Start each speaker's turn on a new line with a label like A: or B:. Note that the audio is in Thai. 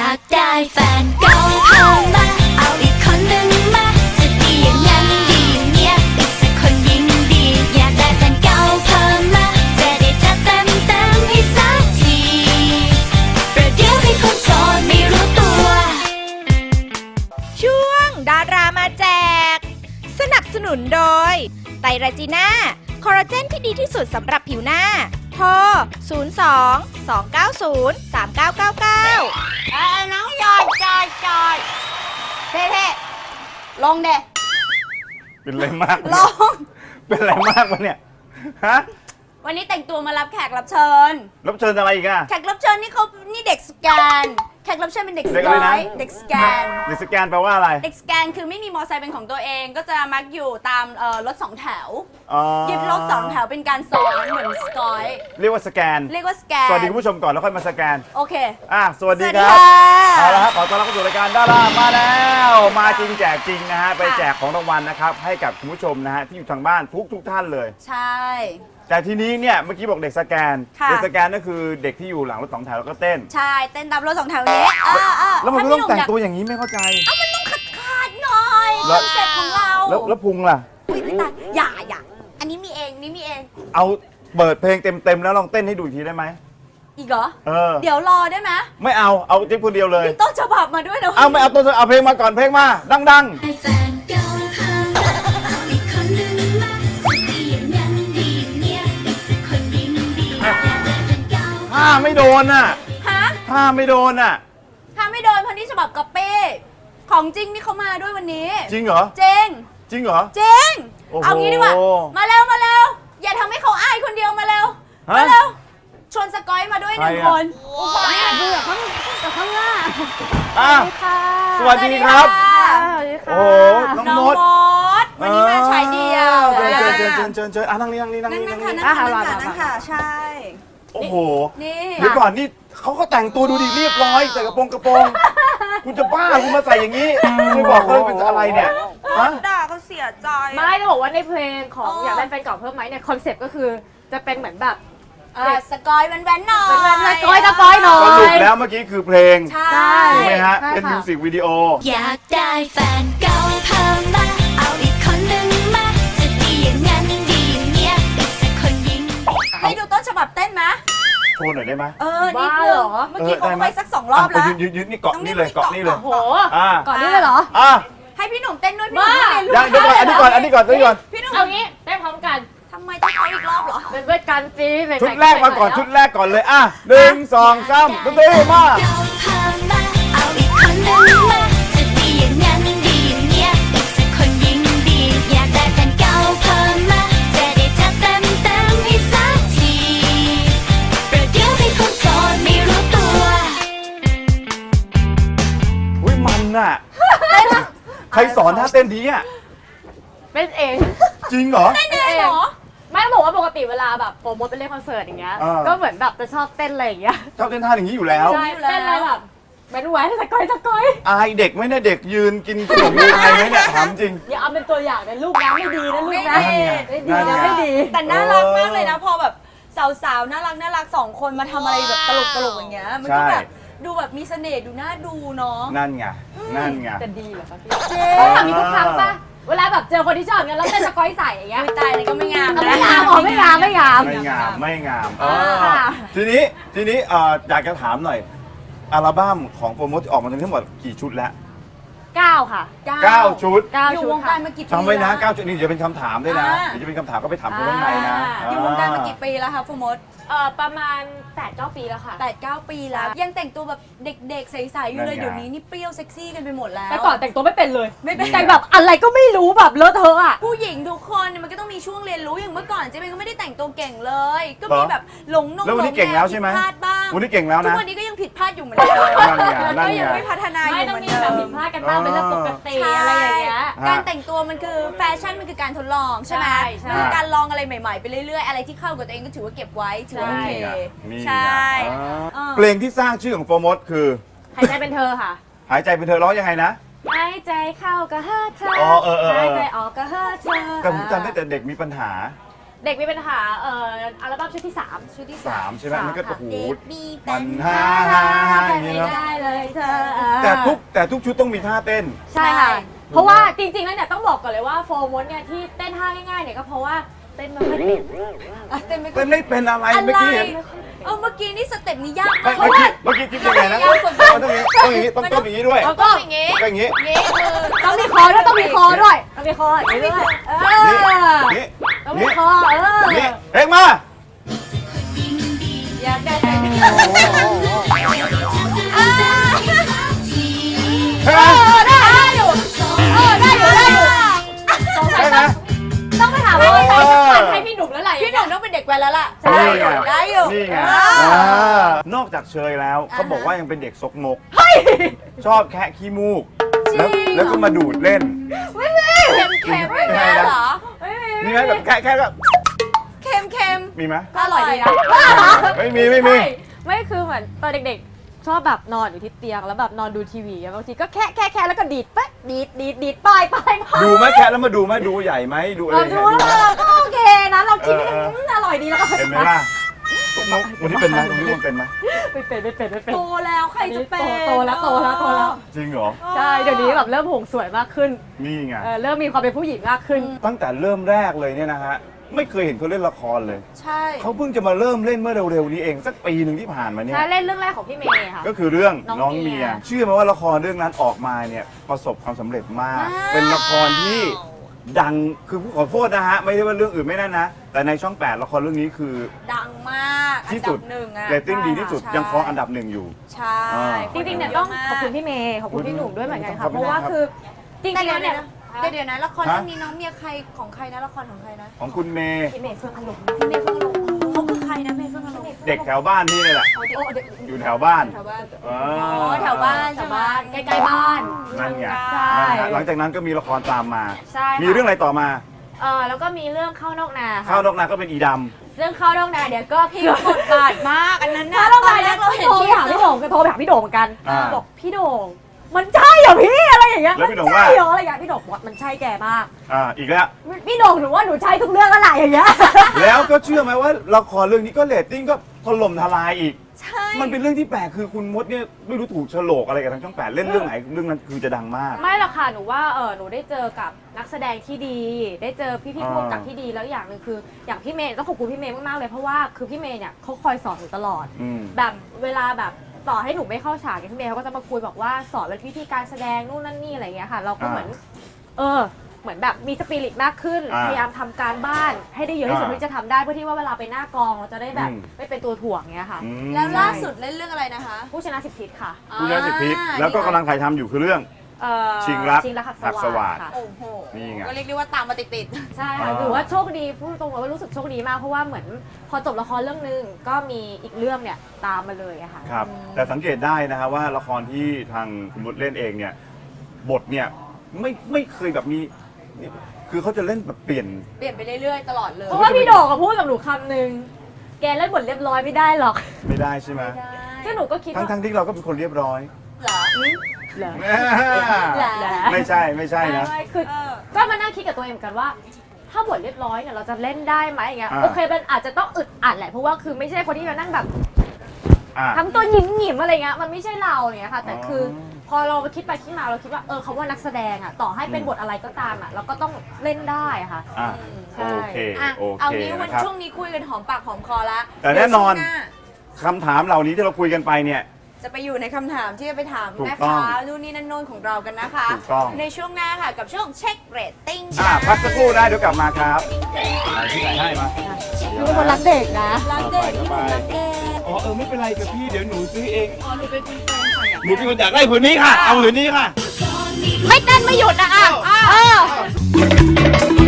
A: ากได้แฟนเก่าเพิ่มมาเอาอีกคนหนึ่งมาจะดีอย่างนั้นดีอย่างเนี้ยอีกสักคนยิ่งดีอยากได้แฟนเก่าเพิ่มมาจะได้จัดเต็มให้สักทีประเดี๋ยวให้คนโสดไม่รู้ตัว
B: ช่วงดารามาแจกสนับสนุนโดยไตรราจีน่าคอลลาเจนที่ดีที่สุดสำหรับผิวหน้าโทร 02-290-3999
C: น้องจอดเท่ๆลงเด้
D: เป็นไรมาก
C: ลง
D: เป็นไรมากวะเนี่ยฮะ
C: วันนี้แต่งตัวมารับแขกรับเชิญ
D: รับเชิญอะไรอีกอะ
C: แขกรับเชิญนี่เด็กสแกน แขกรับเชิญเป็นเด็กส
D: เด็ก
C: ก
D: อะไรนะ
C: อยเด็กสแกน
D: เด็กสแกนแปลว่าอะไร
C: เด็กสแกนคือไม่มีมอเตอร์ไซค์เป็นของตัวเองก็จะมักอยู่ตามรถสองแถว
D: อ๋อ
C: ยึดรถสองแถวเป็นการซ้อนเหมือนสกอย
D: เรียกว่าสแกน
C: เรียกว่าสแกน
D: สวัสดีคุณผู้ชมก่อนแล้วค่อยมาสแกน
C: โอเค
D: สวัสดี
C: สวัส
D: ค
C: ดี
D: รับ
C: ค่ะ
D: เอาละครับขอต้อนรับเข้าสู่รายการดารามาแล้ว มาจริงแจกจริงนะฮะ ไปแจกของรางวัลนะครับ ให้กับคุณผู้ชมนะฮะที่อยู่ทางบ้านทุกท่านเลย
C: ใช่
D: แต่ทีนี้เนี่ยเมื่อกี้บอกเด็กสแกน
C: ค่ะ
D: เด็กสแกนก็คือเด็กที่อยู่หลังรถสองแถวแล้วก็เต้น
C: ใช่เต้นตามรถสองแถวนี้
D: แล้วมันก็ต้องแต่งตัวอย่างนี้ไม่เข้าใจ
C: มันต้องขาดหน่อย
D: แล้
C: คว อนเซ็ปต์ของเรา
D: แล้วพุงล่ะ
C: อุ๊ยไม่ตายอย่าอันนี้มีเองนี่มีเอง
D: เอาเปิดเพลงเต็มๆแล้วลองเต้นให้ดูอีกทีได้ไหม
C: อีกเหรอ เดี๋ยวรอได้ไหม
D: ไม่เอาจิ๊บคนเดียวเลย
C: มีต้นฉบับมาด้วยนะ
D: ไม่เอาตัวเอาเพลงมาก่อนเพลงมาดัง
A: ให้แฟนเก่าเพิ่มมาเอาอีกคนหนึ่งมาจะดีอย่างนั้นดีอย่างเนี้ยอีกสักคนยิ่งดีอยากได้แฟนเก่า
D: ๆถ้าไม่โดนน่ะ
C: ฮะ
D: ถ้าไม่โดนน่ะ
C: ถ้าไม่โดนพันที่ฉบับก๊อปปี้ของจริงนี่เขามาด้วยวันนี้
D: จริงเหรอ
C: จริง
D: จริงเหรอ
C: จริง
D: โอ้โห
C: เอางี้ดีกว่ามาเร็วอย่าทำให้เขาอายคนเดียวมาเร็ว
D: ฮะ
C: มาเร็วชวนสกอยมาด้วยหนึ่ง
D: ใครอะ
C: คนเนี่ยดูจากข้างหน้า
D: อ่ะสวัสดีครับ โอ้โหน้อง
C: น้อง
D: ม
C: ม
D: ด
C: ดวันนี้มาฉายเดียว
D: เชิญนั่งนี่
C: นั่งค่ะใช่
D: โอ้โห
C: นี่
D: เดี๋ยวก่อนนี่เขาก็แต่งตัวดูดิเรียบร้อยใส่กระโปรงคุณจะบ้าคุณมาใส่อย่างนี้ไม่บอกเขาเลยเป็นอะไรเนี่ยฮะ
C: ด่าเขาเสียใจ
E: ไม่จะบอกว่าในเพลงของอยากได้แฟนเก่าเพิ่มไหมเนี่ยคอนเซ็ปต์ก็คือจะเป็นเหมือนแบบ
C: สกอยแว้นๆหน่อย
E: เป็นสกอยหน่อย
D: สรุปแล้วเมื่อกี้คือเพลง
C: ใช่
D: ถูกไหมฮะ
E: ใช่ค่ะ
D: เป็นมิวสิกวิดีโอ
A: อยากได้แฟนเก่าเพิ่มมาเอาอีกคนหนึ่งมาจะดีอย่างนั้นดีอย่างเนี้ยอีกสักคนยิ่ง
C: ให้ดูต้นฉบับเต้นไหม
D: โชว์หน่อยได้ไหม
C: นิดนึงเมื่อกี้เขาไปสัก2 รอบแล้ว
D: ยืนนี่เกาะนี่เลยเกาะนี่เลย
E: โห
D: อ่า
E: ก่อนนี้เลยเหรอ
D: อ่ะ
C: ให้พี่หนุ่มเต้นด้วยพี่หนุ่ม
E: บ้า
C: เรียนรู้
D: ยังเดี๋ยวก่อนอันนี้ก่อน
C: พี่หนุ่ม
E: เอางี้ได้พร้อมกัน
C: ทำไมต้องเขาอีกรอบเหรอ
E: เป็นเพื่อนกันซีเป็น
D: ชุดแรกมาก่อนชุดแรกก่อนเลยอ่ะ1 2 3ดนตรีมา
A: เก่าเพิ่มมาเอาอีกคนหนึ่งมาจะดีอย่างนั้นดีอย่างเนี้ยอีกสักคนยิ่งดีอยากได้แฟนเก่าเพิ่มมาจะได้จัดเต็มให้สักทีประเดี๋ยวให้คนโสดไม่รู้ตัว
D: อุ้ยมันน่ะใครสอนท่าเต้นดีอ่ะ
E: เป็นเอง
D: จริงเหรอ
C: เต้นเองเหรอ
E: ไม่ต้องบอกว่าปกติเวลาแบบโปรโมทไปเล่นคอนเสิร์ตอย่างเงี้ย ก็เหมือนแบบจะชอบเต้นอะไรอย่างเงี้ย
D: ชอบเต้นท่าอย่างนี้อยู่แล้ว
E: ใช่เต้นอะไรแบบเป็นแหวนสกอย
D: อายเด็กไหมเนี่ยเด็กยืนกินขนมอายไหมเนี่ยถามจริง
E: อย่าเอาเป็นตัวอย่างนะลูกนะไม่ดีนะลูกนะ
C: ไม่ดี
E: ไม่ดีนะไม่ดี
C: แต่น่ารักมากเลยนะพอแบบสาวๆน่ารัก2 คนมาทำอะไรแบบตลกอย่างเงี้ยมันก็แบบดูแบบมีเสน่ห์ดูน่าดูเนาะ
D: นั่นไง
E: จะดีเหรอคะพี่
C: เจ๊
E: ทำนี้ทุกครั้งป่ะเวลาแบบเจอคนที่ชอบกันแล้วเต้นสกอยใส่อย่างเงี้ย
C: ตายเลยก็ไม่งาม
E: ไม่งามอ๋อไม่งาม
D: ไม่งาม
E: ค่ะ
D: ทีนี้อยากจะถามหน่อยอัลบั้มของโปรโมทออกมาทั้งหมดกี่ชุดแล้ว
E: 9 ค่ะ
D: 9 ชุด
C: อยู่
E: ชุด
C: วงกา
E: ค่ะ
C: รมากี่ปี
D: จำไว้นะ
C: แล้ว
D: 9 ชุดนี่เดี๋ยวเป็นคำถามด้วยนะ
C: อ่า
D: เดี๋ยวจะเป็นคำถามก็ไปถามคนข้างในนะ
C: อยู่วงการมากี่ปีแล้วคะโฟมด
E: ประมาณ 8-9 ปีแล้วค่ะ
C: 8-9 ปีแล้ว ยังแต่งตัวแบบเด็กๆใสๆอยู่เลย
D: นั่นไง
C: เดี๋ยวนี้นี่เปรี้ยวเซ็กซี่กันไปหมดแล้ว
E: แต่ก่อนแต่งตัวไม่เป็นเลย
C: ไม่เป็น
E: แต่งแบบอะไรก็ไม่รู้แบบเลอะเทอะอ่ะ
C: ผู้หญิงทุกคนเนี่ยมันก็ต้องมีช่วงเรียนรู้อย่างเมื่อก่อนเจ๊เบนก็ไม่ได้แต่งตัวเก่งเลย ก็มีแบบหลง
D: แล้ววันนี้เก่งแล้วใช่ไหม
C: ผิดพลาดบ้าง
D: วันนี้เก่งแล้ว
C: ทุก
D: นะ
C: วันนี้ก็ยังผิดพลาดอยู่เหมือนเดิม
D: นั่นไง
C: ก็ยังไม่พัฒนาอ
E: ไม่
C: ยู่
E: ต้อ
C: เห
E: ง
C: มือน
E: มี
C: เดิ
E: แบบ
C: ม
E: ผิดพลาดกันบ้างเป็นเรื่องปกติอะไรอย่างเงี้ย
C: การแต่งตัวมันคือแฟชั่นมันคือการทดลองใช่ไหม
E: ใช่
C: มันคือการลองอะไรใหม่ๆไปเรื่อยๆอะไรที่เข้ากับตัวเองก็ถือว่าเก็บไว้ถือว่าโอเค
D: นี่ไง
C: ใช่
D: เพลงที่สร้างชื่อของโปรโมทคือ
E: หายใจเป็นเธอค่ะ
D: หายใจเป็นเธอร้องยังไงนะ
E: หายใจเข้าก็เฮอเธอ
D: อ๋อเออ
E: หายใจออกก็เฮอเธอ
D: แต่ผมจำได้แต่เด็กมีปัญหา
E: เด็กมีปัญหาอัลบั้มชุดที่ 3
C: ชุดที่
D: สามใช่ไหมมันก็โอ้โห
C: เด็กมี
D: มันฮ่าฮ่าฮ่าอย่างนี้เนาะ
E: ได้เลยเธอ
D: แต่ทุกชุดต้องมีท่าเต้น
E: ใช่ค่ะ เพราะว่าจริงๆแล้วเนี่ยต้องบอกก่อนเลยว่าโฟร์มดเนี่ยที่เต้นท่าง่ายๆเนี่ยก็เพราะว่าเต้นไมันไม่เป็น
C: เต้นไม่
D: เต้นไม่เป็นอะไรเมื่อกี้เห็น
C: เมื่อกี้นี่สเต็ปนี้ยากมาก
D: เมื่อกี้คิดยังไงนะมันต้องอย่างนี้ต้องอย่างนี้ด้วย
E: แล้วก็
C: อย่างงี้
D: ก็อย่างนี้
C: งี้คือ
E: ต้องมีคอด้วยต้องมีคอด้วยต้องมีคออย่างนี้ด้วย
D: นี่
E: ต้องมีคอ
D: นี่เอ็งมา
C: อยากได้แต่ง
D: เฮ้ย
E: ได้อยู่ได้อยู่
D: ได้ไหม
E: ต้องไปถามว่าใส่สักวันให้พี่หนุ่มแล้วไหร
C: พี่หนุ่มต้องเป็นเด็กแว้นแล้วล่ะ
D: นี่ไง
C: ได้อยู่
D: นี่ไงนอกจากเชยแล้วเขาบอกว่ายังเป็นเด็กซกมกชอบแคะขี้มูกแล้วก็มาดูดเล่น
C: เค็มๆอย่างเงี้ยเหรอ
D: มีไหมแบบแค่แบบ
C: เค็ม
D: มีไหม
C: ๆก็อร่อยดีนะ
D: ไม่มี
E: ไม่คือเหมือนตอนเด็กๆชอบแบบนอนอยู่ที่เตียงแล้วแบบนอนดูทีวีบางทีก็แค่แล้วก็ดีดปั๊บดีดปล่อย
D: ดูไหมแค่แล้วมาดูไหมดูใหญ่ไหมดูอะไร
E: เราดูแล้วก็โอเคนะเรากินอร่อยดีแล้วก็
D: เห็นไหมล่ะซกมกวันนี้เป็นไหมวันนี้มันเป็นไหม
E: ไม่เป็น
C: โตแล้วใครจะเป็น
E: โตแล้ว
D: จริงเหรอ
E: ใช่เดี๋ยวนี้แบบเริ่มหงสวยมากขึ้น
D: นี่ไง
E: เริ่มมีความเป็นผู้หญิงมากขึ้น
D: ตั้งแต่เริ่มแรกเลยเนี่ยนะฮะไม่เคยเห็นเขาเล่นละครเลย
C: ใช่
D: เขาเพิ่งจะมาเริ่มเล่นเมื่อเร็วๆนี้เองสักปีหนึ่งที่ผ่านมาเนี่ย
E: ใช่เล่นเรื่องแรกของพี่เมย์ค่ะ
D: ก็คือเรื่อง
E: น้
D: น้อ
E: อง งเมี
D: เมีย
E: ย
D: เชื่อไหมว่าละครเรื่องนั้นออกมาเนี่ยประสบความสำเร็จมาก เป็นละครที่ดังคือขอโทษนะฮะไม่ได้ว่าเรื่องอื่นไม่นั่นนะ แต่ในช่อง 8 ละครเรื่องนี้คือ
C: ดังมากอัน
D: ที่
C: ดั
D: สุ
C: บ
D: ด
C: หนึ่งอะ
D: เรตติ้งดีที่สุด
C: ใช่
D: ยังครองอันดับหนึ่งอยู่
C: ใช่
E: จริงๆเนี่ยต้องขอบคุณพี่เมย์ขอบคุณพี่หนุ่มด้วยเหมือนกันค่ะเพราะว่าคือจริงๆแล้วเนี่ย
C: เดี๋ยวนะละครเรื่องนี้น้องเมียใครของใครนะละครของใครนะ
D: ของคุณเมย์
E: พี่เมย์เฟื่องอารมณ์
C: พี่เมย์เฟื่องอารมณ์เขาคือใครนะเมย์เฟื่องอารมณ์
D: เด็กแถวบ้านที่นี่แหละ อยู่แถวบ้าน
C: แถวบ้าน
D: อ๋อ
C: แถวบ้าน
E: ชาวบ้านใกล้ๆบ้าน
D: นั่นไง
E: ใช่
D: นะฮะหลังจากนั้นก็มีละครตามมา
E: ใช่ค่ะ
D: มีเรื่องอะไรต่อมา
E: แล้วก็มีเรื่องเข้านอกนา
D: ข้าวนอกนาก็เป็นอีด
E: เรื่องเข้านอกนาเดี๋ยวก็
C: พี่
E: เกือบ
C: บทบาทมากอันนั้นนะ
E: เข้านอก
C: ตอ
E: นา
C: นแร
E: เนี่ย
C: กเราเห็น
E: โทร
C: ที่
E: ไปหาพี่โด่งก็โทรไปหาพี่โด่งเหมือนกัน
D: อ่า
E: บอกพี่โด่งมันใช่เหรอพี่อะไรอย่างเงี้ย
D: แล้วพี่โด่ง
E: มันใช่
D: ว่า
E: เหรออะไรอย่างเงี้ยพี่โด่งบอกมันใช่แกมาก
D: ำอีกแล้ว
E: พี่โด่งหนูว่าหนูใช่ทุกเรื่องอะไรอย่างเงี้ย
D: แล้วก็เชื่อไหมว่าละครเรื่องนี้ก็เรตติ้งก็ถล่มทลายอีก
C: ใช่
D: มันเป็นเรื่องที่แปลกคือคุณมดเนี่ยไม่รู้ถูกโฉลกอะไรกับทางช่อง 8 เล่นเรื่องไหนเรื่องนั้นคือจะดังมาก
E: ไม่หรอกค่ะหนูว่าหนูได้เจอกับนักแสดงที่ดี ได้เจอพี่
D: อ่า
E: ผู้กำกับที่ดีแล้วอย่างหนึ่งคืออย่างพี่เมย์ต้องขอบคุณพี่เมย์มากๆเลยเพราะว่าคือพี่เมย์เนี่ยเขาคอยสอนหนูตลอด
D: อืม
E: แบบเวลาแบบต่อให้หนูไม่เข้าฉากเนี่ยพี่เมย์เขาก็จะมาคุยบอกว่าสอนวิธีการแสดงนู่นนั่นนี่อะไรอย่างเงี้ยค่ะ เราก็เหมือนเหมือนแบบมีสปิริตมากขึ้น พยายามทำการบ้านให้ได้เยอะที่สุดที่จะทำได้เพื่อที่ว่าเวลาไปหน้ากองเราจะได้แบบไม่เป็นตัวถ่วงเงี้ยค่ะ
D: อืม
C: แล้วล่าสุดเล่นเรื่องอะไรนะคะ
E: ผู้ชนะสิบทิศค่ะ
D: คุณยาสิทธิพแล้วก็กำลังถ่ายทำอยู่คือเรื่อง ชิงรัก
E: หักสวาท
D: หักสวาท
E: ค่ะ
C: โอ้โห
D: นี่ไง
C: ก็เรียกได้ว่าตามมาติด
E: ใช่ค่ะถือว่าโชคดีพูดตรงๆว่ารู้สึกโชคดีมากเพราะว่าเหมือนพอจบละครเรื่องนึงก็มีอีกเรื่องเนี่ยตามมาเลยอะค่ะ
D: ครับ แต่สังเกตได้นะฮะว่าละครที่ทางคุณมดเล่นเองเนี่ยบทเนี่ยไม่เคยแบบมีคือเขาจะเล่นแบบเปลี่ยน
C: ๆ เปลี่ยนไปเรื่อยๆ ตลอดเลย
E: เพราะว่าพี่โด่งก็พูดกับหนูคำนึงแกเล่นบทเรียบร้อยไม่ได้หรอก
D: ไม่ได้ใช่ไหม
E: ซึ่งหนูก็คิดว่า
D: ทั้งที่เราก็เป็นคนเรียบร้อย
C: เหรอ
E: เหรอ
D: ไม่ใช่นะ
E: ไม่คือก็มานั่งคิดกับตัวเองเหมือนกันว่า ถ้าบทเรียบร้อยเนี่ยเราจะเล่นได้ไหมอย่างเงี้ย
D: อ่า
E: โอเคมันอาจจะต้องอึดอัดแหละเพราะว่าคือไม่ใช่คนที่มานั่งแบบ
D: อ่ะ
E: ทำตัวหยิมๆอะไรเงี้ยมันไม่ใช่เราเนี่ยค่ะ แต่คืออ
D: อ
E: พอเราคิดไปคิดมาเราคิดว่าเขาว่านักแสดงอ่ะต่อให้เป็นบทอะไรก็ตามอ่ะเราก็ต้องเล่นได้อะค่ะ
D: อ่ะ
E: ใช่
D: โอเค
C: อ่ะ
D: โอ
C: เอา
D: เค
C: งี้วัน
D: นะครับ
C: ช่วงนี้คุยกันหอมปากหอมคอละ
D: แต่แน่นอน
C: เดี๋ยวช่วงหา
D: คำถามเหล่านี้ที่เราคุยกันไปเนี่ย
C: จะไปอยู่ในคำถามที่จะไปถาม
D: ถูก
C: แม่
D: ต้อง
C: ค้านู่นนี่นั่นโน่นของเรากันนะคะ
D: ถูกต้อง
C: ในช่วงหน้าค่ะกับช่วงเช็คเรตติ้ง
D: พักสักครู่ได้เดี๋ยวกลับมาครับที่ไหนให้มา
E: หนูเป็นคนรักเด็กนะ
C: รักเด็กที่หนูรักเด็ก
D: อ๋อไม่เป็นไรกับพี่เดี๋ยวหนูซื้อเองหนูเป็นคนอยากได้ผืนนี้ค่ะ เอาผืนนี้ค่ะ
E: ไม่เต้นไม่หยุดนะอ่ะ